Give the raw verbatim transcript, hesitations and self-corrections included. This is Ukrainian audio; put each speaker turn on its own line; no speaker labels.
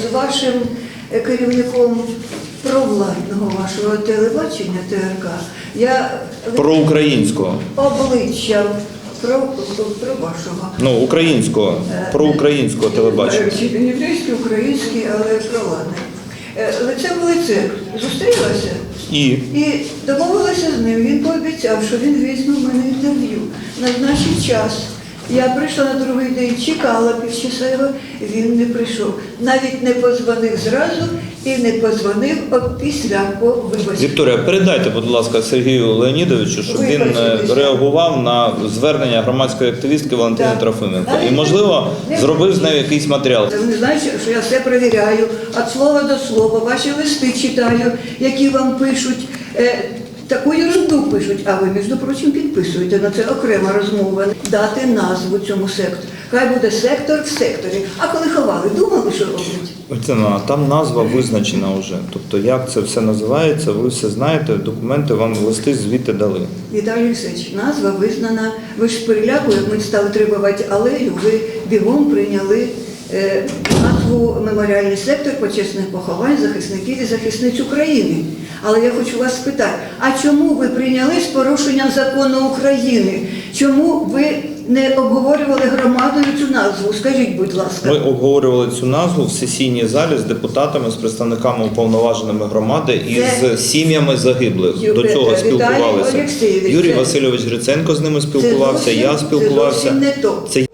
з вашим керівником провладного вашого телебачення Т R К. Я
Проукраїнського.
обличчя про, про вашого.
Ну, українського, проукраїнського телебачення.
Не єврейський, український, але провладний. Лице в лице зустрілася
І?
і домовилася з ним. Він пообіцяв, що він візьме в мене інтерв'ю на значний час. Я прийшла на другий день, чекала півчаса його, він не прийшов. Навіть не подзвонив зразу і не подзвонив після по виборці.
Вікторія, передайте, будь ласка, Сергію Леонідовичу, щоб він е, реагував на звернення громадської активістки Валентини
Так.
Трофименко.
Але
І, можливо,
не-
зробив з нею якийсь матеріал.
Вони знають, що я все перевіряю, від слова до слова, ваші листи читаю, які вам пишуть. Е, Таку ерунду пишуть, а ви, між прочим, підписуєте на це окрема розмова. Дати назву цьому сектору. Хай буде сектор в секторі. А коли ховали, думали, що роблять?
Це, ну, там назва визначена вже. Тобто, як це все називається, ви все знаєте, документи вам листи звідти дали.
Віталій Олексійович, назва визнана. Ви ж з переляку, як ми стали требувати алею, ви бігом прийняли е, назву «Меморіальний сектор почесних поховань захисників і захисниць України». Але я хочу вас спитати, а чому ви прийняли з порушенням закону України? Чому ви не обговорювали громадою цю назву? Скажіть, будь ласка.
Ми обговорювали цю назву в сесійній залі з депутатами, з представниками уповноваженими громади і
Це...
з сім'ями загиблих.
Ю...
До цього
Віталій
спілкувалися.
Олексійович,
Юрій
це...
Васильович Гриценко з ними спілкувався,
це зовсім,
я спілкувався.
Це зовсім не то.
Це